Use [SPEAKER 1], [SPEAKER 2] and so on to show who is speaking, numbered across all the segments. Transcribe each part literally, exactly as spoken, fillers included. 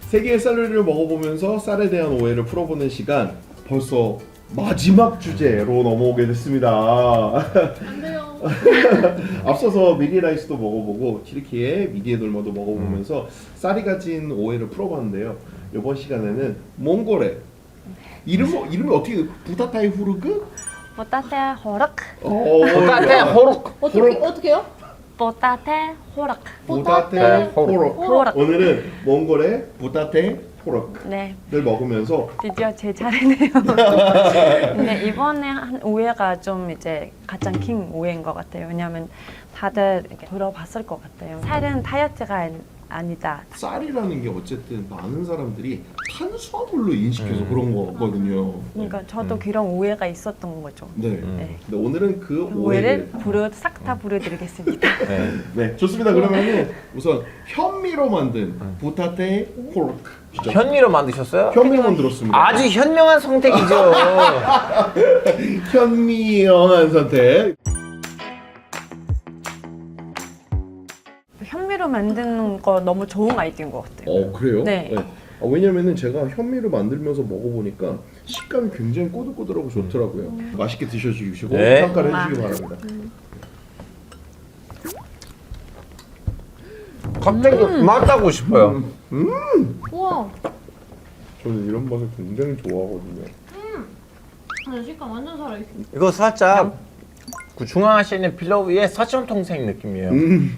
[SPEAKER 1] 세계의 쌀 요리를 먹어보면서 쌀에 대한 오해를 풀어보는 시간, 벌써 마지막 주제로 넘어오게 됐습니다.
[SPEAKER 2] 안 돼요.
[SPEAKER 1] 앞서서 미리라이스도 먹어보고 튀르키예 미디에 돌머도 먹어보면서 쌀이 가진 오해를 풀어봤는데요. 이번 시간에는 몽골의 이름 이름이 어떻게 부타타이 후르그?
[SPEAKER 3] 보따테 호락.
[SPEAKER 4] 보따테 호록.
[SPEAKER 2] 어떻게 어떻게요?
[SPEAKER 3] 보따테 호락.
[SPEAKER 1] 부타테
[SPEAKER 4] 호르크.
[SPEAKER 1] 호르크. 오늘은 몽골의 부타테 호르크를
[SPEAKER 3] 네,
[SPEAKER 1] 먹으면서
[SPEAKER 3] 드디어 제 차례네요. 근데 이번에 한 오해가 좀 이제 가장 긴 오해인 것 같아요. 왜냐하면 다들 이렇게 들어봤을 것 같아요. 쌀은 다이어트가 아니- 아니다.
[SPEAKER 1] 쌀이라는 게 어쨌든 많은 사람들이 탄수화물로 인식해서 그런 거거든요.
[SPEAKER 3] 그러니까 저도 그런 오해가 있었던 거죠.
[SPEAKER 1] 네.
[SPEAKER 3] 네.
[SPEAKER 1] 근데 오늘은 그
[SPEAKER 3] 오해를
[SPEAKER 1] 오해를
[SPEAKER 3] 부르 싹 다 부르드리겠습니다.
[SPEAKER 4] 네.
[SPEAKER 1] 네, 좋습니다. 그러면은 우선 현미로 만든 부타테 호르크. 진짜
[SPEAKER 4] 현미로 만드셨어요?
[SPEAKER 1] 현미로 만들었습니다.
[SPEAKER 4] 아주 현명한 선택이죠.
[SPEAKER 1] 현미영한 선택.
[SPEAKER 3] 현미로 만드는 거 너무 좋은 아이디어인 것 같아요.
[SPEAKER 1] 어 그래요?
[SPEAKER 3] 네.
[SPEAKER 1] 아, 왜냐면은 제가 현미를 만들면서 먹어보니까 식감이 굉장히 꼬들꼬들하고 좋더라고요. 맛있게 드셔주시고
[SPEAKER 4] 네.
[SPEAKER 1] 평가를
[SPEAKER 3] 아.
[SPEAKER 1] 해주시기 바랍니다.
[SPEAKER 4] 갑자기 맛하고 싶어요.
[SPEAKER 2] 우와.
[SPEAKER 1] 저는 이런 맛을 굉장히 좋아하거든요.
[SPEAKER 2] 아, 식감 완전 살아있어.
[SPEAKER 4] 이거 살짝 그 중앙아시아의 필라우의 사천통생 느낌이에요.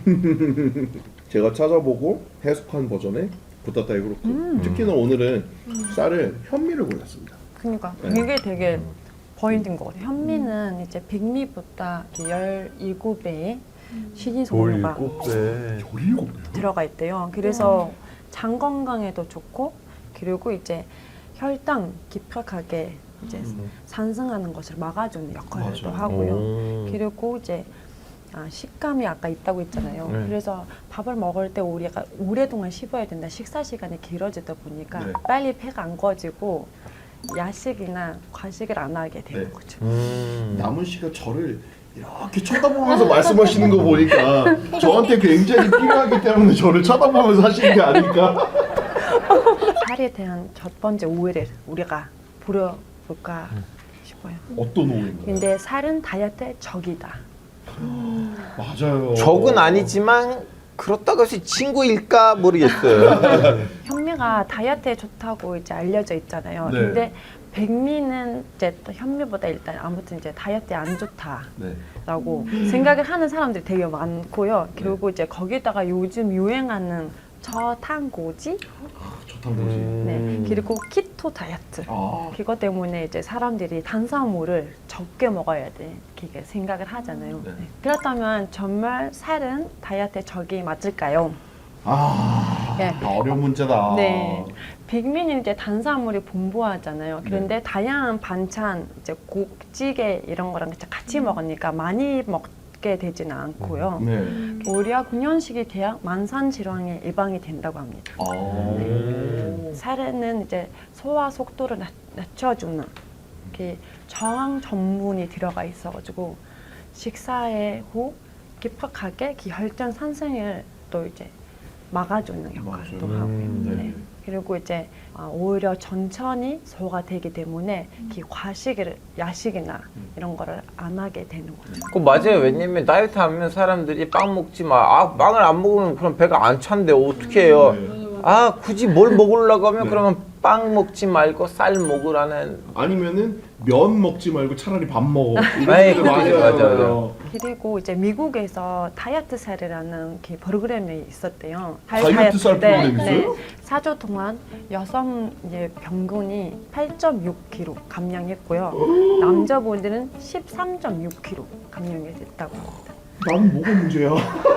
[SPEAKER 1] 제가 찾아보고 해석한 버전의 부타타이 후르크. 특히나 오늘은 쌀을 현미를 골랐습니다.
[SPEAKER 3] 그러니까
[SPEAKER 1] 네.
[SPEAKER 3] 이게 되게 포인트인 것 같아요. 현미는 이제 백미보다 열일곱 배의 식이섬유가
[SPEAKER 1] 열일곱 배.
[SPEAKER 3] 들어가 있대요. 그래서 장 건강에도 좋고, 그리고 이제 혈당 급격하게 이제 상승하는 것을 막아주는 역할도
[SPEAKER 1] 맞아요.
[SPEAKER 3] 하고요.
[SPEAKER 4] 오.
[SPEAKER 3] 그리고 이제 아, 식감이 아까 있다고 했잖아요.
[SPEAKER 4] 네.
[SPEAKER 3] 그래서 밥을 먹을 때 우리가 오랫동안 씹어야 된다. 식사 시간이 길어지다 보니까
[SPEAKER 1] 네.
[SPEAKER 3] 빨리 배가 안 꺼지고 야식이나 과식을 안 하게 되는
[SPEAKER 1] 네.
[SPEAKER 3] 거죠.
[SPEAKER 4] 음.
[SPEAKER 1] 남은 씨가 저를 이렇게 쳐다보면서 말씀하시는 거 보니까 저한테 굉장히 필요하기 때문에 저를 쳐다보면서 하시는 게 아닐까?
[SPEAKER 3] 살에 대한 첫 번째 오해를 우리가 부려볼까 싶어요.
[SPEAKER 1] 어떤 오해인가요?
[SPEAKER 3] 근데 살은 다이어트의 적이다.
[SPEAKER 1] 맞아요.
[SPEAKER 4] 적은 아니지만 그렇다고 해서 친구일까 모르겠어요.
[SPEAKER 3] 현미가 다이어트에 좋다고 이제 알려져 있잖아요.
[SPEAKER 1] 네.
[SPEAKER 3] 근데 백미는 이제 또 현미보다 일단 아무튼 이제 다이어트에 안 좋다라고
[SPEAKER 1] 네.
[SPEAKER 3] 생각을 하는 사람들이 되게 많고요. 그리고 이제 거기다가 요즘 유행하는 저탄고지,
[SPEAKER 1] 저탄고지.
[SPEAKER 4] 음.
[SPEAKER 3] 네. 그리고 키토 다이어트.
[SPEAKER 1] 아,
[SPEAKER 3] 그것 때문에 이제 사람들이 탄수화물을 적게 먹어야 돼 이렇게 생각을 하잖아요.
[SPEAKER 1] 네.
[SPEAKER 3] 네. 그렇다면 정말 살은 다이어트의 적이 맞을까요?
[SPEAKER 1] 아,
[SPEAKER 3] 네.
[SPEAKER 1] 어려운 문제다.
[SPEAKER 3] 네. 백미는 이제 탄수화물이 풍부하잖아요. 그런데
[SPEAKER 1] 네.
[SPEAKER 3] 다양한 반찬, 이제 국, 찌개 이런 거랑 같이 먹으니까 많이 먹게 되지는 않고요.
[SPEAKER 1] 네.
[SPEAKER 3] 오히려 균형식이 돼야 만성 질환에 예방이 된다고 합니다.
[SPEAKER 1] 아,
[SPEAKER 4] 음.
[SPEAKER 3] 살에는 이제 소화 속도를 낮, 낮춰주는 이렇게 저항 전분이 들어가 있어가지고 식사에 후 급격하게 그 혈당 상승을 또 이제 막아주는 역할도
[SPEAKER 1] 맞아요.
[SPEAKER 3] 하고요.
[SPEAKER 4] 음,
[SPEAKER 1] 네.
[SPEAKER 3] 네. 그리고 이제 아, 오히려 천천히 소화가 되기 때문에 그 과식을 야식이나 이런 거를 안 하게 되는 거죠.
[SPEAKER 4] 그 맞아요. 왜냐면 다이어트 하면 사람들이 빵 먹지 마. 아, 빵을 안 먹으면 그럼 배가 안 찬대. 어떻게 해요?
[SPEAKER 1] 네.
[SPEAKER 4] 아, 굳이 뭘 먹으려고 하면
[SPEAKER 1] 네.
[SPEAKER 4] 그러면 빵 먹지 말고 쌀 먹으라는.
[SPEAKER 1] 아니면은 면 먹지 말고 차라리 밥 먹어.
[SPEAKER 4] 에이,
[SPEAKER 1] 이런
[SPEAKER 4] 그것도
[SPEAKER 1] 분들
[SPEAKER 4] 맞아요,
[SPEAKER 1] 많아요.
[SPEAKER 4] 맞아요.
[SPEAKER 3] 그리고 이제 미국에서 다이어트 셀이라는 그 프로그램이 있었대요.
[SPEAKER 1] 다이어트 셀 프로그램 있어요?
[SPEAKER 3] 사 주 동안 여성 이제 평균이 팔 점 육 킬로그램 감량했고요. 남자분들은 십삼 점 육 킬로그램 감량이 됐다고 합니다.
[SPEAKER 1] 나는 뭐가 문제야?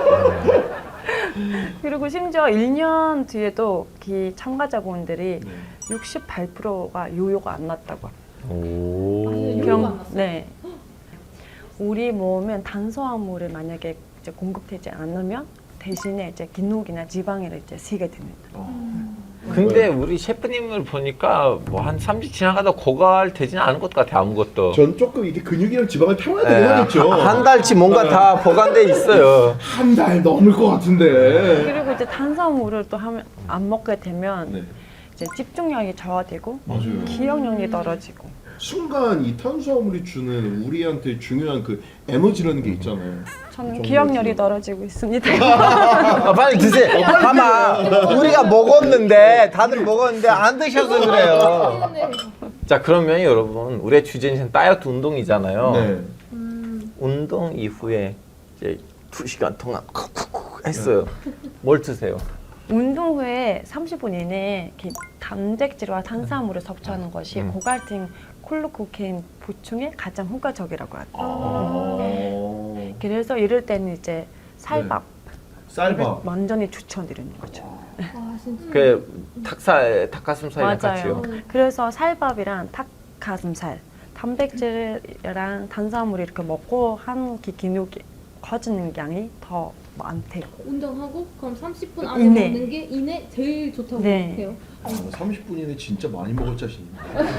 [SPEAKER 3] 그리고 심지어 일 년 뒤에도 그 참가자분들이
[SPEAKER 1] 네.
[SPEAKER 3] 육십팔 퍼센트가 요요가 안 났다고 합니다.
[SPEAKER 4] 오.
[SPEAKER 2] 요요가 안 났어요?
[SPEAKER 3] 네. 우리 몸은 탄수화물을 만약에 이제 공급되지 않으면 대신에 이제 근육이나 지방을 이제 쓰게 됩니다.
[SPEAKER 4] 근데 우리 셰프님을 보니까 뭐 한 삼 주 지나가다 고갈 되지는 않은 것 같아 아무것도.
[SPEAKER 1] 전 조금 이게 근육이랑 지방을 태워야 되긴
[SPEAKER 4] 예,
[SPEAKER 1] 하겠죠.
[SPEAKER 4] 한, 한 달치 뭔가 다 보관돼 있어요.
[SPEAKER 1] 한 달 넘을 것 같은데.
[SPEAKER 3] 그리고 이제 탄수화물을 또 하면 안 먹게 되면
[SPEAKER 1] 네.
[SPEAKER 3] 이제 집중력이 저하되고
[SPEAKER 1] 맞아요.
[SPEAKER 3] 기억력이 떨어지고.
[SPEAKER 1] 순간 이 탄수화물이 주는 우리한테 중요한 그 에너지라는 게 있잖아요.
[SPEAKER 3] 저는
[SPEAKER 1] 정말
[SPEAKER 3] 기억력이
[SPEAKER 1] 그-
[SPEAKER 3] 떨어지고 있습니다.
[SPEAKER 4] 아, 빨리 드세요. 봐봐. 우리가 먹었는데 다들 먹었는데 안 드셔서 그래요. 자 그러면 여러분 우리의 주제는 다이어트 운동이잖아요.
[SPEAKER 1] 네.
[SPEAKER 2] 음,
[SPEAKER 4] 운동 이후에 이제 두 시간 동안 쿡쿡쿡 했어요. 뭘 드세요?
[SPEAKER 3] 운동 후에 삼십 분 이내에 이렇게 단백질과 탄수화물을 섭취하는 것이
[SPEAKER 4] 음.
[SPEAKER 3] 고갈팅 콜로코케인 보충에 가장 효과적이라고 하죠.
[SPEAKER 1] 아.
[SPEAKER 3] 그래서 이럴 때는 이제 쌀밥
[SPEAKER 1] 쌀밥.
[SPEAKER 3] 완전히 추천드리는 거죠.
[SPEAKER 2] 아 진짜.
[SPEAKER 4] 그 닭살, 닭가슴살이랑 같이요.
[SPEAKER 3] 맞아요. 그래서 쌀밥이랑 닭가슴살, 단백질이랑 탄수화물 이렇게 먹고 한 기- 기록이 커지는 양이 더 많대요.
[SPEAKER 2] 운동하고 그럼 삼십 분 안에
[SPEAKER 3] 이내.
[SPEAKER 2] 먹는 게 이내 제일 좋다고
[SPEAKER 3] 네.
[SPEAKER 2] 해요.
[SPEAKER 1] 아, 삼십 분 이내 진짜 많이 먹을 자신입니다.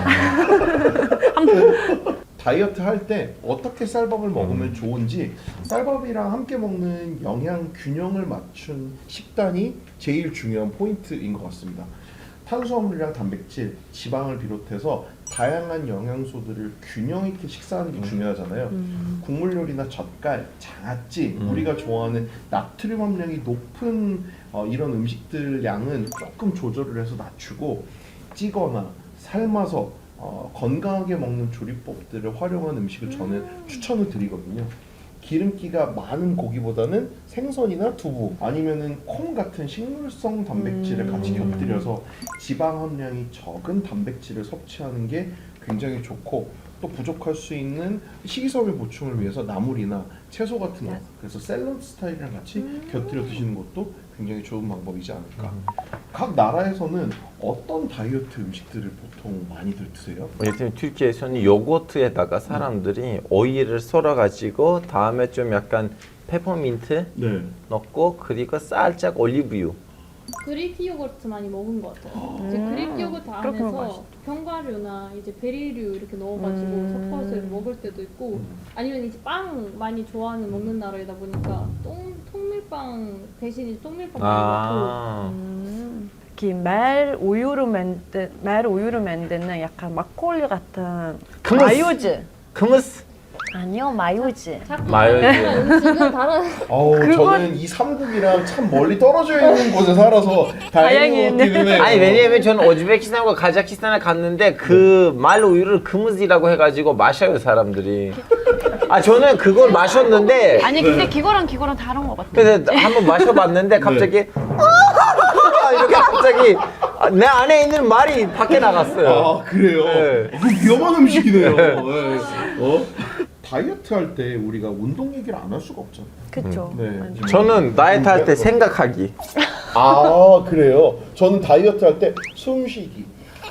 [SPEAKER 1] 다이어트 할 때 어떻게 쌀밥을 먹으면 좋은지 쌀밥이랑 함께 먹는 영양 균형을 맞춘 식단이 제일 중요한 포인트인 것 같습니다. 탄수화물이랑 단백질, 지방을 비롯해서 다양한 영양소들을 균형 있게 식사하는 게 중요하잖아요.
[SPEAKER 3] 음.
[SPEAKER 1] 국물 요리나 젓갈, 장아찌,
[SPEAKER 4] 음.
[SPEAKER 1] 우리가 좋아하는 나트륨 함량이 높은 어, 이런 음식들 양은 조금 조절을 해서 낮추고 찌거나 삶아서 어, 건강하게 먹는 조리법들을 활용한 음식을 저는 추천을 드리거든요. 기름기가 많은 고기보다는 생선이나 두부 아니면은 콩 같은 식물성 단백질을 같이
[SPEAKER 3] 음.
[SPEAKER 1] 곁들여서 지방 함량이 적은 단백질을 섭취하는 게 굉장히 좋고 또 부족할 수 있는 식이섬유 보충을 위해서 나물이나 채소 같은 거
[SPEAKER 3] 네.
[SPEAKER 1] 그래서 샐러드 스타일이랑 같이 곁들여 드시는 것도 굉장히 좋은 방법이지 않을까. 각 나라에서는 어떤 다이어트 음식들을 보통 많이들 드세요?
[SPEAKER 4] 예를 들면 튀르키예에서는 요거트에다가 사람들이 오일을 썰어가지고 다음에 좀 약간 페퍼민트
[SPEAKER 1] 네.
[SPEAKER 4] 넣고 그리고 살짝 올리브유.
[SPEAKER 2] 그릭 요거트 많이 먹은 것 같아요. 이제
[SPEAKER 3] 음,
[SPEAKER 2] 그릭 요거트
[SPEAKER 3] 그렇게 먹으면
[SPEAKER 2] 안에서 견과류나 이제 베리류 이렇게 넣어가지고
[SPEAKER 3] 음.
[SPEAKER 2] 섞어서 먹을 때도 있고
[SPEAKER 1] 음.
[SPEAKER 2] 아니면 이제 빵 많이 좋아하는 먹는 나라이다 보니까 똥 통밀빵 대신 이제 통밀빵 많이
[SPEAKER 4] 아,
[SPEAKER 3] 음. 이렇게 말 우유로 만든 말 우유로 만드는 약간 막걸리 같은
[SPEAKER 4] 크무스.
[SPEAKER 3] 마요즈.
[SPEAKER 4] 크무스.
[SPEAKER 3] 아니요, 마요즈.
[SPEAKER 2] 먹고 자꾸
[SPEAKER 4] 마요즈.
[SPEAKER 2] 음식은 다른
[SPEAKER 1] 아우
[SPEAKER 3] 그건-
[SPEAKER 1] 저는 이 삼국이랑 참 멀리 떨어져 있는 곳에 살아서 다행히
[SPEAKER 3] 다행이네.
[SPEAKER 1] 먹기는 해요.
[SPEAKER 4] 아니 왜냐면 저는 오즈베키스탄과 카자흐스탄에 갔는데 그 말 우유를 크무스라고 해가지고 마셔요 사람들이. 아 저는 그걸 마셨는데
[SPEAKER 3] 아니 근데 그거랑 그거랑 다른 것 같아.
[SPEAKER 4] 그래서 한번 마셔봤는데 갑자기 이렇게 갑자기 내 안에 있는 말이 밖에 나갔어요.
[SPEAKER 1] 아 그래요?
[SPEAKER 4] 네.
[SPEAKER 1] 어, 그 위험한 음식이네요. 네. 어? 다이어트 할 때 우리가 운동 얘기를 안 할 수가 없잖아요.
[SPEAKER 3] 그쵸.
[SPEAKER 1] 네.
[SPEAKER 3] 완전.
[SPEAKER 4] 저는 다이어트 할 때 생각하기.
[SPEAKER 1] 아 그래요? 저는 다이어트 할 때 숨쉬기.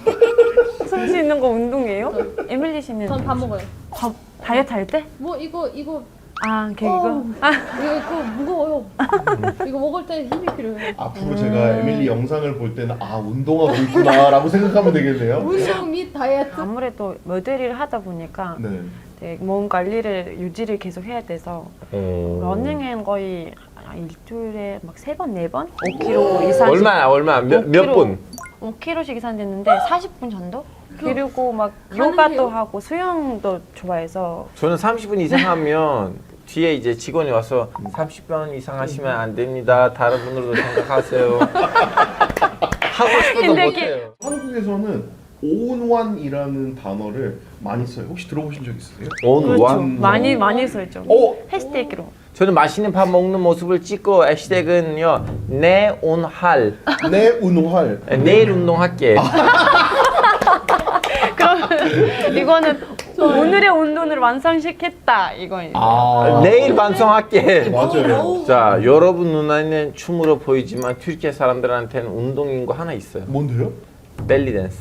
[SPEAKER 3] 숨 쉬는 거 운동이에요? 에밀리 씨는
[SPEAKER 2] 전 밥 먹어요.
[SPEAKER 3] 밥 다이어트 할 때?
[SPEAKER 2] 뭐 이거 이거
[SPEAKER 3] 아, 그
[SPEAKER 2] 어,
[SPEAKER 3] 이거. 아,
[SPEAKER 2] 이거 이거 무거워요. 이거 먹을 때 힘이 필요해요.
[SPEAKER 1] 앞으로 제가 에밀리 영상을 볼 때는 아 운동하고 있구나라고 생각하면 되겠네요.
[SPEAKER 2] 운동 및 다이어트.
[SPEAKER 3] 아무래도 모델을 하다 보니까
[SPEAKER 1] 네.
[SPEAKER 3] 되게 몸 관리를 유지를 계속 해야 돼서
[SPEAKER 4] 어.
[SPEAKER 3] 러닝은 거의 일주일에 막 세 번, 네 번? 오 킬로미터 이상.
[SPEAKER 4] 얼마 얼마 몇, 몇 분?
[SPEAKER 3] 오 킬로미터씩 이상됐는데 사십 분 정도? 그리고 막
[SPEAKER 2] 가능해요?
[SPEAKER 3] 요가도 하고 수영도 좋아해서
[SPEAKER 4] 저는 삼십 분 이상 하면 뒤에 이제 직원이 와서 삼십 분 이상 하시면 안 됩니다. 다른 분으로도 생각하세요. 하고 싶어도
[SPEAKER 3] 근데
[SPEAKER 4] 못해요.
[SPEAKER 1] 한국에서는 온완이라는 단어를 많이 써요. 혹시 들어보신 적 있으세요?
[SPEAKER 4] 온
[SPEAKER 3] 그렇죠.
[SPEAKER 4] 완.
[SPEAKER 3] 많이 많이 써있죠.
[SPEAKER 1] 어?
[SPEAKER 3] 해시태그로.
[SPEAKER 4] 저는 맛있는 밥 먹는 모습을 찍고 해시태그는요 내 온할
[SPEAKER 1] 내 운활.
[SPEAKER 4] 내일 운동할게.
[SPEAKER 3] 그럼 이거는 오늘의 운동을 완성시켰다 이거예요.
[SPEAKER 1] 아
[SPEAKER 4] 내일 방송할게.
[SPEAKER 1] 맞아요.
[SPEAKER 4] 자 여러분 눈에는 춤으로 보이지만 튀르키예 사람들한테는 운동인 거 하나 있어요.
[SPEAKER 1] 뭔데요?
[SPEAKER 4] 벨리 댄스.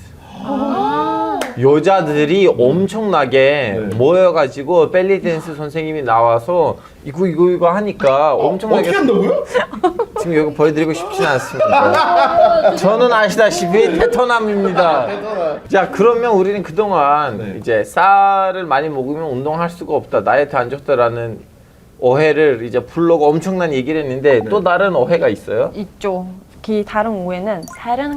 [SPEAKER 4] 여자들이 엄청나게
[SPEAKER 1] 네.
[SPEAKER 4] 모여가지고 벨리 댄스 선생님이 나와서 이거 이거 이거 하니까 엄청나게
[SPEAKER 1] 어떻게 한다고요?
[SPEAKER 4] 지금 이거 보여드리고 싶지는 않습니다. 저는 아시다시피 테토남입니다. 자 그러면 우리는 그동안
[SPEAKER 1] 네.
[SPEAKER 4] 이제 쌀을 많이 먹으면 운동할 수가 없다, 다이어트 안 좋다라는 오해를 이제 불러고 엄청난 얘기를 했는데
[SPEAKER 1] 네.
[SPEAKER 4] 또 다른 오해가 있어요.
[SPEAKER 3] 있죠. 그 다른 오해는 쌀은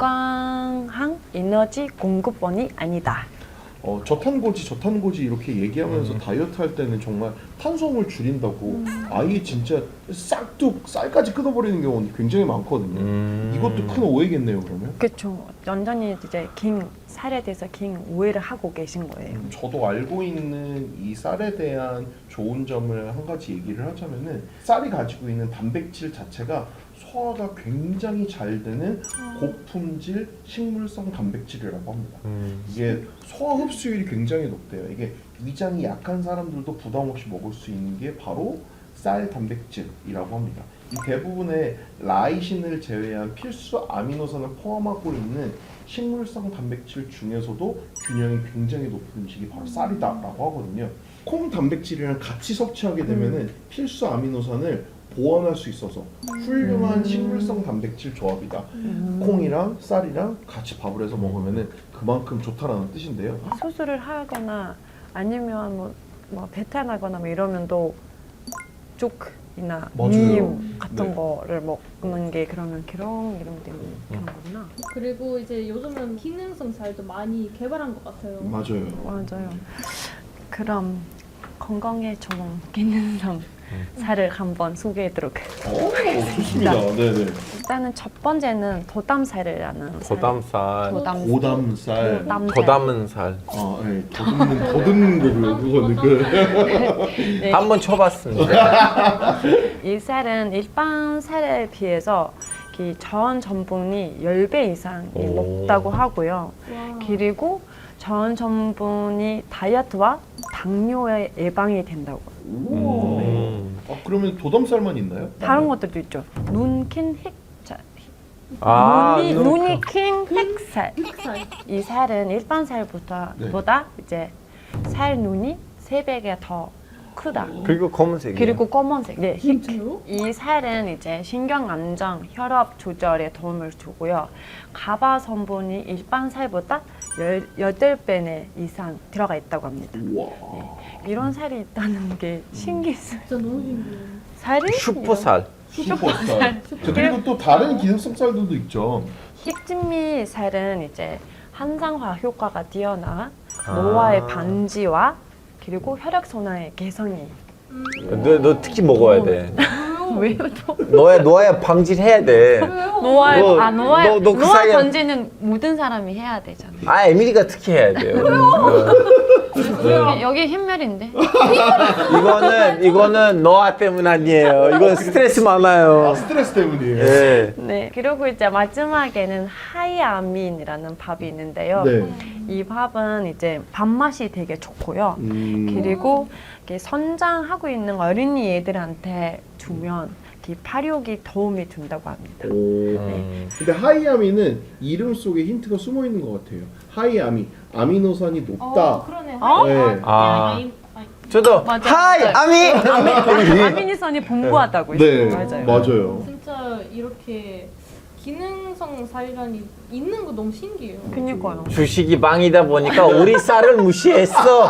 [SPEAKER 3] 건강한 에너지 공급원이 아니다.
[SPEAKER 1] 어, 저탄고지 저탄고지 이렇게 얘기하면서
[SPEAKER 4] 음.
[SPEAKER 1] 다이어트 할 때는 정말 탄수화물 줄인다고 아예 진짜 싹둑 쌀까지 끊어버리는 경우는 굉장히 많거든요.
[SPEAKER 4] 음.
[SPEAKER 1] 이것도 큰 오해겠네요, 그러면.
[SPEAKER 3] 그렇죠. 완전히 이제 긴 쌀에 대해서 긴 오해를 하고 계신 거예요.
[SPEAKER 1] 음, 저도 알고 있는 이 쌀에 대한 좋은 점을 한 가지 얘기를 하자면은 쌀이 가지고 있는 단백질 자체가 소화가 굉장히 잘 되는 고품질 식물성 단백질이라고 합니다.
[SPEAKER 4] 음.
[SPEAKER 1] 이게 소화 흡수율이 굉장히 높대요. 이게 위장이 약한 사람들도 부담 없이 먹을 수 있는 게 바로 쌀 단백질이라고 합니다. 이 대부분의 라이신을 제외한 필수 아미노산을 포함하고 있는 식물성 단백질 중에서도 균형이 굉장히 높은 음식이 바로 쌀이다라고 하거든요. 콩 단백질이랑 같이 섭취하게 되면은
[SPEAKER 3] 음.
[SPEAKER 1] 필수 아미노산을 보완할 수 있어서 훌륭한 식물성 단백질 조합이다.
[SPEAKER 3] 음.
[SPEAKER 1] 콩이랑 쌀이랑 같이 밥을 해서 먹으면은 그만큼 좋다라는 뜻인데요.
[SPEAKER 3] 수술을 하거나 아니면 뭐, 뭐 배탈나거나 뭐 이러면 또 죽이나
[SPEAKER 1] 맞아요.
[SPEAKER 3] 님 같은
[SPEAKER 1] 네.
[SPEAKER 3] 거를 먹는 게 그러면 기름 이런 때문에 그런 거구나.
[SPEAKER 2] 그리고 이제 요즘은 기능성 쌀도 많이 개발한 것 같아요.
[SPEAKER 1] 맞아요.
[SPEAKER 3] 맞아요. 그럼 건강에 좋은 기능성 쌀을 한번 소개해드릴게요.
[SPEAKER 1] 오, 좋습니다. 네네.
[SPEAKER 3] 일단은 첫 번째는 도담쌀이라는 쌀.
[SPEAKER 4] 도담쌀,
[SPEAKER 3] 도담
[SPEAKER 1] 고담쌀.
[SPEAKER 3] 도담쌀.
[SPEAKER 4] 더 담은 살.
[SPEAKER 1] 아, 네. 더듬는 더듬는 거고요. 그거는 그.
[SPEAKER 3] 네.
[SPEAKER 4] 한번 쳐봤습니다.
[SPEAKER 3] 이 쌀은 일반 쌀에 비해서 그 전 전분이 십 배 이상이
[SPEAKER 4] 오.
[SPEAKER 3] 높다고 하고요.
[SPEAKER 2] 와.
[SPEAKER 3] 그리고 전 전분이 다이어트와 당뇨의 예방이 된다고.
[SPEAKER 1] 오.
[SPEAKER 4] 음.
[SPEAKER 1] 아, 그러면 도담쌀만 있나요?
[SPEAKER 3] 다른 것들도 있죠. 눈킨 흑, 자,
[SPEAKER 4] 아,
[SPEAKER 3] 눈이,
[SPEAKER 4] 눈-
[SPEAKER 3] 눈이 킨 흑살.
[SPEAKER 2] 흑살.
[SPEAKER 3] 이 살은 일반 살보다
[SPEAKER 1] 네.
[SPEAKER 3] 보다 이제 살 눈이 세 배가 더 크다.
[SPEAKER 4] 그리고 검은색이에요.
[SPEAKER 3] 그리고 검은색. 네, 흑.
[SPEAKER 2] 진짜요?
[SPEAKER 3] 이 살은 이제 신경 안정, 혈압 조절에 도움을 주고요. 가바 성분이 일반 살보다 여덟 배 이상 들어가 있다고 합니다.
[SPEAKER 1] 와.
[SPEAKER 3] 이런 살이 있다는 게 신기했어요.
[SPEAKER 2] 진짜 너무 신기해요.
[SPEAKER 3] 살이
[SPEAKER 4] 슈퍼살.
[SPEAKER 1] 슈퍼쌀. 자, 그리고 또 다른 기능성 쌀들도 있죠.
[SPEAKER 3] 흑진미 살은 이제 항산화 효과가 뛰어나
[SPEAKER 4] 아.
[SPEAKER 3] 노화의 방지와 그리고 혈액 순환의 개선이.
[SPEAKER 4] 너, 너 특히 먹어야 돼.
[SPEAKER 3] 왜요 또?
[SPEAKER 4] 너의 너의 방지를 해야 돼.
[SPEAKER 3] 노화의
[SPEAKER 4] 너-
[SPEAKER 3] 아 노화
[SPEAKER 4] 너- 너그
[SPEAKER 3] 노화
[SPEAKER 4] 사이에-
[SPEAKER 3] 방지는 모든 사람이 해야 되잖아.
[SPEAKER 4] 아 에밀리가 특히 해야 돼요. 어.
[SPEAKER 3] 여기, 여기 흰멸인데.
[SPEAKER 4] 이거는 이거는 너아 때문 아니에요. 이건 스트레스
[SPEAKER 1] 아,
[SPEAKER 4] 많아요.
[SPEAKER 1] 스트레스 때문이에요.
[SPEAKER 4] 예.
[SPEAKER 3] 네. 그리고 이제 마지막에는 하이아민이라는 밥이 있는데요.
[SPEAKER 1] 네.
[SPEAKER 3] 이 밥은 이제 밥맛이 되게 좋고요.
[SPEAKER 1] 음.
[SPEAKER 3] 그리고 이렇게 선장하고 있는 어린이 애들한테 주면 이렇게 발육이 도움이 준다고 합니다.
[SPEAKER 1] 오.
[SPEAKER 4] 음.
[SPEAKER 1] 근데 하이아미는 이름 속에 힌트가 숨어 있는 것 같아요. 하이아미, 아미노산이 높다.
[SPEAKER 2] 어, 그러네.
[SPEAKER 3] 어?
[SPEAKER 1] 네.
[SPEAKER 4] 아.
[SPEAKER 2] 아이, 아이.
[SPEAKER 4] 저도
[SPEAKER 3] 맞아,
[SPEAKER 4] 하이
[SPEAKER 3] 맞아.
[SPEAKER 4] 아미.
[SPEAKER 3] 아미니선이 풍부하다고
[SPEAKER 1] 네,
[SPEAKER 3] 했어요. 맞아요.
[SPEAKER 1] 맞아요.
[SPEAKER 2] 진짜 이렇게 기능성 쌀이라니 있는 거 너무 신기해요.
[SPEAKER 3] 그니까요.
[SPEAKER 4] 주식이 망이다 보니까 우리 쌀을 무시했어.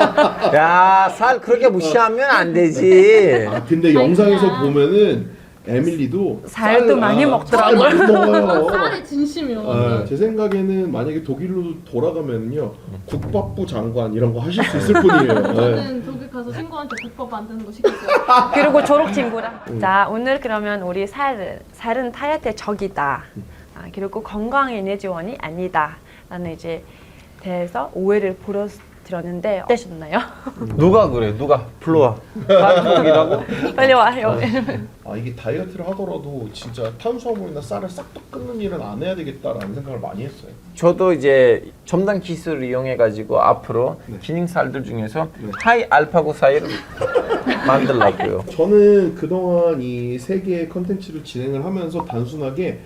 [SPEAKER 4] 야, 쌀 그렇게 무시하면 안 되지.
[SPEAKER 1] 아, 근데 영상에서 보면은 에밀리도
[SPEAKER 3] 살도
[SPEAKER 1] 쌀,
[SPEAKER 3] 많이
[SPEAKER 1] 아,
[SPEAKER 3] 먹더라고요.
[SPEAKER 1] 쌀 많이 먹어요.
[SPEAKER 2] 쌀이 진심이요.
[SPEAKER 1] 아, 제 생각에는 만약에 독일로 돌아가면요 국밥부 장관 이런 거 하실 수 있을 뿐이에요. 네.
[SPEAKER 2] 저는 독일 가서 친구한테 국밥 만드는 거 시켰어요.
[SPEAKER 3] 그리고 졸업 친구랑. 자, 오늘 그러면 우리 살, 살은 다이어트의 적이다. 아, 그리고 건강 에너지원이 아니다. 라는 이제 대해서 오해를 보여드렸는데 어떠셨나요?
[SPEAKER 4] 누가 그래? 누가 불러와. 쌀국이라고?
[SPEAKER 3] 빨리 와요.
[SPEAKER 1] 아 이게 다이어트를 하더라도 진짜 탄수화물이나 쌀을 싹 다 끊는 일은 안 해야 되겠다라는 생각을 많이 했어요.
[SPEAKER 4] 저도 이제 첨단 기술을 이용해 가지고 앞으로
[SPEAKER 1] 네.
[SPEAKER 4] 기능 쌀들 중에서
[SPEAKER 1] 네.
[SPEAKER 4] 하이 알파고 사이를 만들려고요.
[SPEAKER 1] 저는 그동안 이 세 개의 컨텐츠를 진행을 하면서 단순하게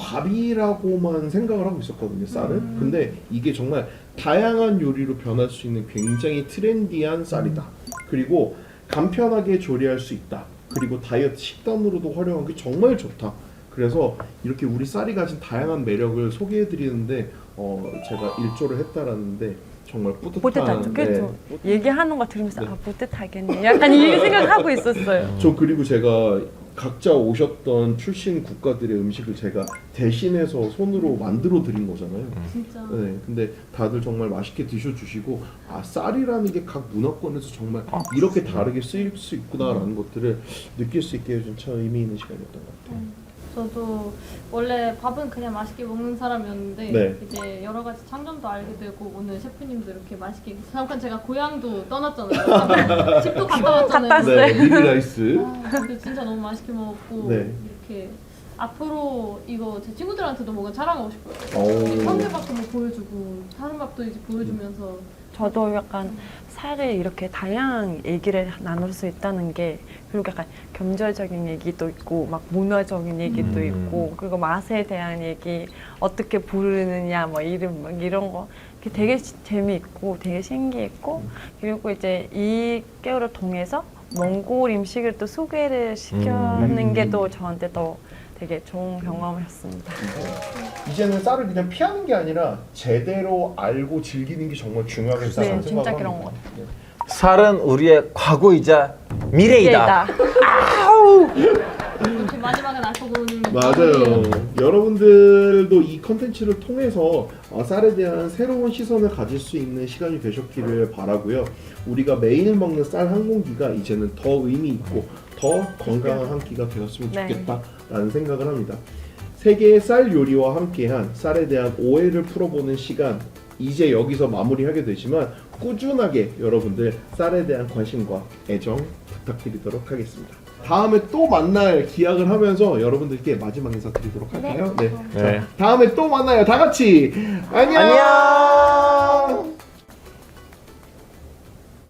[SPEAKER 1] 밥이라고만 생각을 하고 있었거든요, 쌀은.
[SPEAKER 3] 음.
[SPEAKER 1] 근데 이게 정말 다양한 요리로 변할 수 있는 굉장히 트렌디한 쌀이다. 그리고 간편하게 조리할 수 있다. 그리고 다이어트 식단으로도 활용하기 정말 좋다. 그래서 이렇게 우리 쌀이 가진 다양한 매력을 소개해드리는데 어, 제가 일조를 했다라는데 정말 뿌듯한.
[SPEAKER 3] 뿌듯하죠.
[SPEAKER 1] 네.
[SPEAKER 3] 그렇죠. 얘기하는 거 들으면서
[SPEAKER 1] 네.
[SPEAKER 3] 아 뿌듯하겠네. 약간 이 생각하고 있었어요.
[SPEAKER 1] 저 그리고 제가 각자 오셨던 출신 국가들의 음식을 제가 대신해서 손으로 만들어 드린 거잖아요.
[SPEAKER 2] 진짜.
[SPEAKER 1] 네, 근데 다들 정말 맛있게 드셔주시고 아 쌀이라는 게 각 문화권에서 정말 이렇게 다르게 쓰일 수 있구나라는 것들을 느낄 수 있게 해준 참 의미 있는 시간이었던 것 같아요.
[SPEAKER 2] 저도 원래 밥은 그냥 맛있게 먹는 사람이었는데
[SPEAKER 1] 네.
[SPEAKER 2] 이제 여러 가지 장점도 알게 되고 오늘 셰프님도 이렇게 맛있게 잠깐 제가 고향도 떠났잖아요. 집도 갔다 왔잖아요.
[SPEAKER 3] 갔다
[SPEAKER 1] 네, 미리 라이스.
[SPEAKER 2] 아, 근데 진짜 너무 맛있게 먹었고
[SPEAKER 1] 네.
[SPEAKER 2] 이렇게 앞으로 이거 제 친구들한테도 뭔가 자랑하고 싶어요.
[SPEAKER 1] 오.
[SPEAKER 2] 성게밥도 뭐 보여주고 다른 밥도 이제 보여주면서
[SPEAKER 3] 저도 약간 쌀을 이렇게 다양한 얘기를 나눌 수 있다는 게 그리고 약간 경제적인 얘기도 있고 막 문화적인 얘기도
[SPEAKER 4] 음.
[SPEAKER 3] 있고 그리고 맛에 대한 얘기 어떻게 부르느냐 뭐 이름 막 이런 거 그게 되게 시- 재미있고 되게 신기했고 그리고 이제 이 개월을 통해서 몽골 음식을 또 소개를 시켜는
[SPEAKER 1] 음.
[SPEAKER 3] 게 또 저한테 더 되게 좋은 경험이었습니다.
[SPEAKER 1] 이제는 쌀을 그냥 피하는 게 아니라 제대로 알고 즐기는 게 정말 중요하겠다는
[SPEAKER 3] 네,
[SPEAKER 1] 생각을
[SPEAKER 3] 진짜
[SPEAKER 1] 합니다.
[SPEAKER 3] 그런 것
[SPEAKER 1] 네.
[SPEAKER 4] 쌀은 우리의 과거이자 미래이다.
[SPEAKER 2] 이렇게 마지막엔 알코올은
[SPEAKER 1] 맞아요. 여러분들도 이 컨텐츠를 통해서 어, 쌀에 대한 새로운 시선을 가질 수 있는 시간이 되셨기를 바라고요. 우리가 매일 먹는 쌀 한 공기가 이제는 더 의미 있고 더 건강한 한 끼가 되었으면
[SPEAKER 3] 네.
[SPEAKER 1] 좋겠다라는 생각을 합니다. 세계의 쌀 요리와 함께한 쌀에 대한 오해를 풀어보는 시간 이제 여기서 마무리하게 되지만 꾸준하게 여러분들 쌀에 대한 관심과 애정 부탁드리도록 하겠습니다. 다음에 또 만날 기약을 하면서 여러분들께 마지막 인사 드리도록 할까요? 네.
[SPEAKER 4] 네.
[SPEAKER 1] 다음에 또 만나요. 다 같이 안녕.
[SPEAKER 4] 안녕.